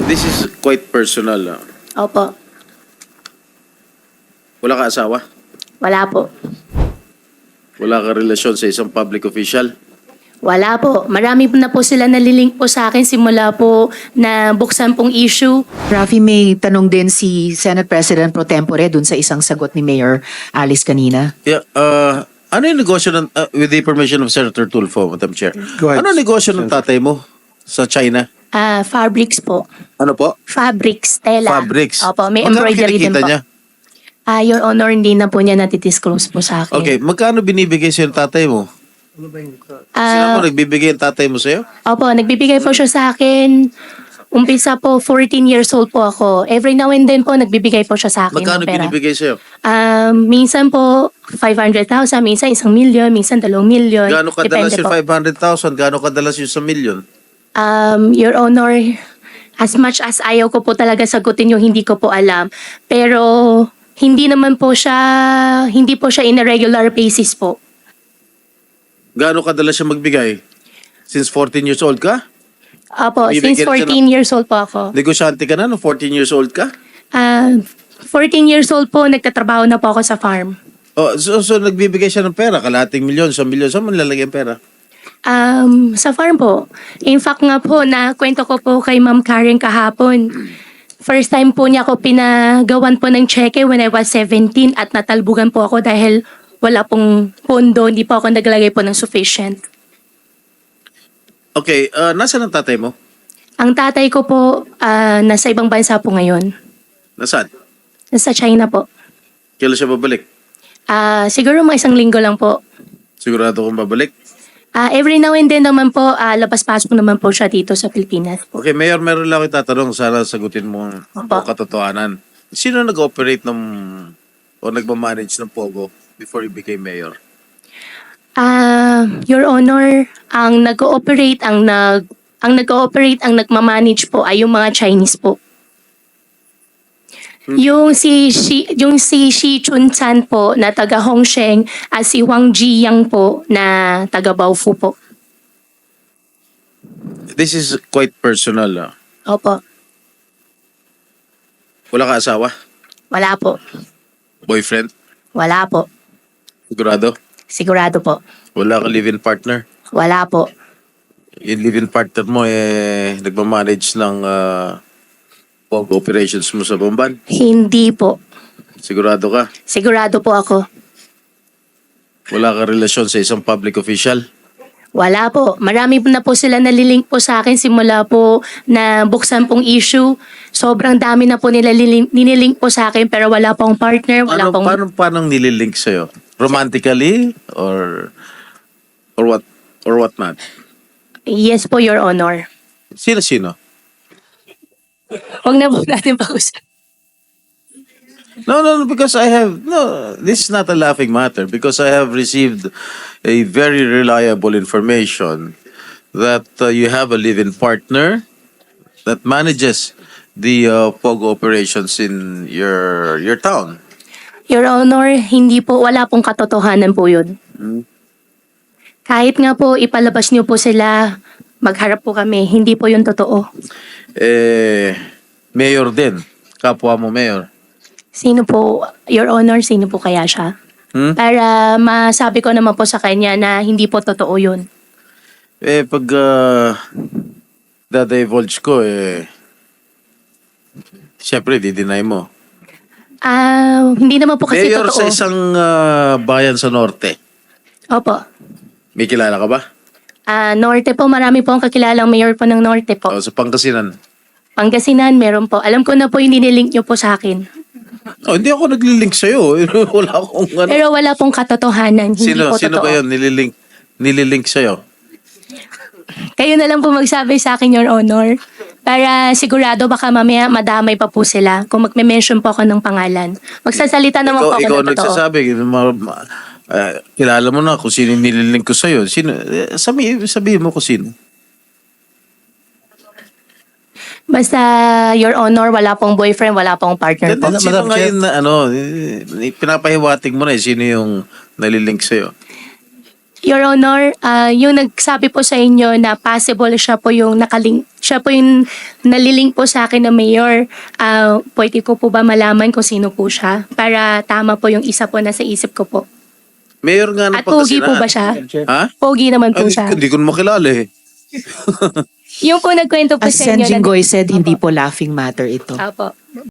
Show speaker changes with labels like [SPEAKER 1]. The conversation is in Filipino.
[SPEAKER 1] This is quite personal.
[SPEAKER 2] Opo.
[SPEAKER 1] Wala ka asawa?
[SPEAKER 2] Wala po.
[SPEAKER 1] Wala ka relasyon sa isang public official?
[SPEAKER 2] Wala po. Marami po na po sila nalilink po sa akin simula po na buksan pong issue.
[SPEAKER 3] Rafi, may tanong din si Senate President Pro Tempore dun sa isang sagot ni Mayor Alice kanina.
[SPEAKER 1] Yeah, ano yung negosyo ng, with the permission of Senator Tulfo, Madam Chair?
[SPEAKER 4] Go ahead,
[SPEAKER 1] Ano yung negosyo ng tatay mo sa China?
[SPEAKER 2] Fabrics po.
[SPEAKER 1] Ano po?
[SPEAKER 2] Fabrics, tela.
[SPEAKER 1] Fabrics.
[SPEAKER 2] Opo, may
[SPEAKER 1] Magkano
[SPEAKER 2] embroidery din
[SPEAKER 1] kinikita
[SPEAKER 2] po.
[SPEAKER 1] niya?
[SPEAKER 2] Your Honor, hindi na po niya natidisclose po sa akin.
[SPEAKER 1] Okay, magkano binibigay sa'yo ng tatay mo? Sino mo nagbibigay ang tatay mo sa'yo?
[SPEAKER 2] Opo, nagbibigay po siya sa akin. Umpisa po, 14 years old po ako. Every now and then po, nagbibigay po siya sa akin
[SPEAKER 1] Magkano
[SPEAKER 2] ng pera.
[SPEAKER 1] binibigay sa'yo?
[SPEAKER 2] Minsan po, 500,000, minsan 1,000,000, minsan 2,000,000.
[SPEAKER 1] Gaano kadalas
[SPEAKER 2] Depende
[SPEAKER 1] yung
[SPEAKER 2] po.
[SPEAKER 1] 500,000? Gaano kadalas yung 1,000,000?
[SPEAKER 2] Your Honor, as much as ayaw ko po talaga sagutin yung hindi ko po alam. Pero hindi naman po siya, hindi po siya in a regular basis po.
[SPEAKER 1] Gaano kadalas siya magbigay? Since 14 years old ka?
[SPEAKER 2] Opo,
[SPEAKER 1] Bibigyan
[SPEAKER 2] since
[SPEAKER 1] siya
[SPEAKER 2] 14 years old po ako.
[SPEAKER 1] Negosyante ka na no? 14 years old ka?
[SPEAKER 2] 14 years old po, nagtatrabaho na po ako sa farm.
[SPEAKER 1] Oh, so nagbibigay siya ng pera, kalating milyon, 1,000,000, saan mo nilalagay ang pera?
[SPEAKER 2] Sa farm po. In fact nga po, na kwento ko po kay Ma'am Karen kahapon. First time po niya ako pinagawan po ng cheque when I was 17 at natalbugan po ako dahil wala pong pondo, hindi po ako naglagay po ng sufficient.
[SPEAKER 1] Okay, nasaan ang tatay mo?
[SPEAKER 2] Ang tatay ko po, nasa ibang bansa po ngayon.
[SPEAKER 1] Nasaan?
[SPEAKER 2] Nasa China po.
[SPEAKER 1] Kailan siya babalik?
[SPEAKER 2] Siguro mga 1 linggo lang po.
[SPEAKER 1] Sigurado kong babalik?
[SPEAKER 2] Every now and then naman po, labas-pasok naman po siya dito sa Pilipinas.
[SPEAKER 1] Okay, Mayor, meron lang ako itatanong. Sana sagutin mo ang
[SPEAKER 2] Opo.
[SPEAKER 1] katotohanan. Sino nag-operate o nagmamanage ng Pogo before you became Mayor?
[SPEAKER 2] Your Honor, ang nag-ooperate, ang nagmamanage po ay yung mga Chinese po. Yung si Shi Chun-chan po na taga Hongsheng at si Wang Jiyang po na taga Baofu po.
[SPEAKER 1] This is quite personal.
[SPEAKER 2] Opo.
[SPEAKER 1] Wala ka asawa?
[SPEAKER 2] Wala po.
[SPEAKER 1] Boyfriend?
[SPEAKER 2] Wala po.
[SPEAKER 1] Sigurado?
[SPEAKER 2] Sigurado po.
[SPEAKER 1] Wala ka live-in partner?
[SPEAKER 2] Wala po.
[SPEAKER 1] Yung live-in partner mo, nagmamanage ng Pogo operations mo sa Bomban?
[SPEAKER 2] Hindi po.
[SPEAKER 1] Sigurado ka?
[SPEAKER 2] Sigurado po ako.
[SPEAKER 1] Wala ka relasyon sa isang public official?
[SPEAKER 2] Wala po. Marami na po sila nalilink po sa akin simula po na buksan pong issue. Sobrang dami na po nila nililink po sa akin pero wala pong partner, wala pong...
[SPEAKER 1] Paano nililink sa'yo? Romantically? Or what? Or what not?
[SPEAKER 2] Yes po, Your Honor.
[SPEAKER 1] Sino-sino?
[SPEAKER 2] Huwag na po natin pag-usap.
[SPEAKER 1] No, because this is not a laughing matter because I have received a very reliable information that you have a live-in partner that manages the Pogo operations in your town.
[SPEAKER 2] Your Honor, hindi po, wala pong katotohanan po yun. Kahit nga po ipalabas niyo po sila, magharap po kami, hindi po yun totoo.
[SPEAKER 1] Mayor din. Kapwa mo mayor.
[SPEAKER 2] Sino po, Your Honor, sino po kaya siya? Para masabi ko naman po sa kanya na hindi po totoo yun.
[SPEAKER 1] Pag dada-divulge ko, siyempre, di-deny mo.
[SPEAKER 2] Hindi naman po kasi
[SPEAKER 1] Mayor
[SPEAKER 2] totoo.
[SPEAKER 1] sa isang bayan sa norte.
[SPEAKER 2] Opo.
[SPEAKER 1] May kilala ka ba?
[SPEAKER 2] Norte po, marami po ang kakilalang mayor po ng Norte po.
[SPEAKER 1] O, sa Pangasinan.
[SPEAKER 2] Pangasinan, meron po. Alam ko na po yung nililink niyo po sa akin.
[SPEAKER 1] Oh, hindi ako naglilink sa'yo. Wala akong ano.
[SPEAKER 2] Pero wala pong katotohanan. Hindi po
[SPEAKER 1] Sino
[SPEAKER 2] totoo.
[SPEAKER 1] ba yun nililink sa'yo?
[SPEAKER 2] Kayo na lang po magsabi sa akin, Your Honor. Para sigurado baka mamaya madamay pa po sila kung magme-mention po ako ng pangalan. Magsasalita naman po ako
[SPEAKER 1] Ikaw
[SPEAKER 2] ng totoo.
[SPEAKER 1] nagsasabi. Kilala mo na kung sino yung nililink ko sa'yo. Sabihin mo kung sino.
[SPEAKER 2] Basta, Your Honor, wala pong boyfriend, wala pong partner po.
[SPEAKER 1] Sino ngayon na pinapahiwatig mo na sino yung nalilink sa'yo?
[SPEAKER 2] Your Honor, yung nagsabi po sa inyo na possible siya po yung nalilink po sa akin na mayor, pwede ko po ba malaman kung sino po siya? Para tama po yung isa po na sa isip ko po.
[SPEAKER 1] Mayor nga ng
[SPEAKER 2] At pogi po
[SPEAKER 1] Pangasinan.
[SPEAKER 2] ba siya?
[SPEAKER 1] Ha?
[SPEAKER 2] Pogi naman po siya.
[SPEAKER 1] Hindi ko na makilala eh.
[SPEAKER 2] Yung po nagkwento po
[SPEAKER 3] As
[SPEAKER 2] sa inyo
[SPEAKER 3] Sen. Jinggoy said, hindi po laughing matter ito.
[SPEAKER 2] Apo.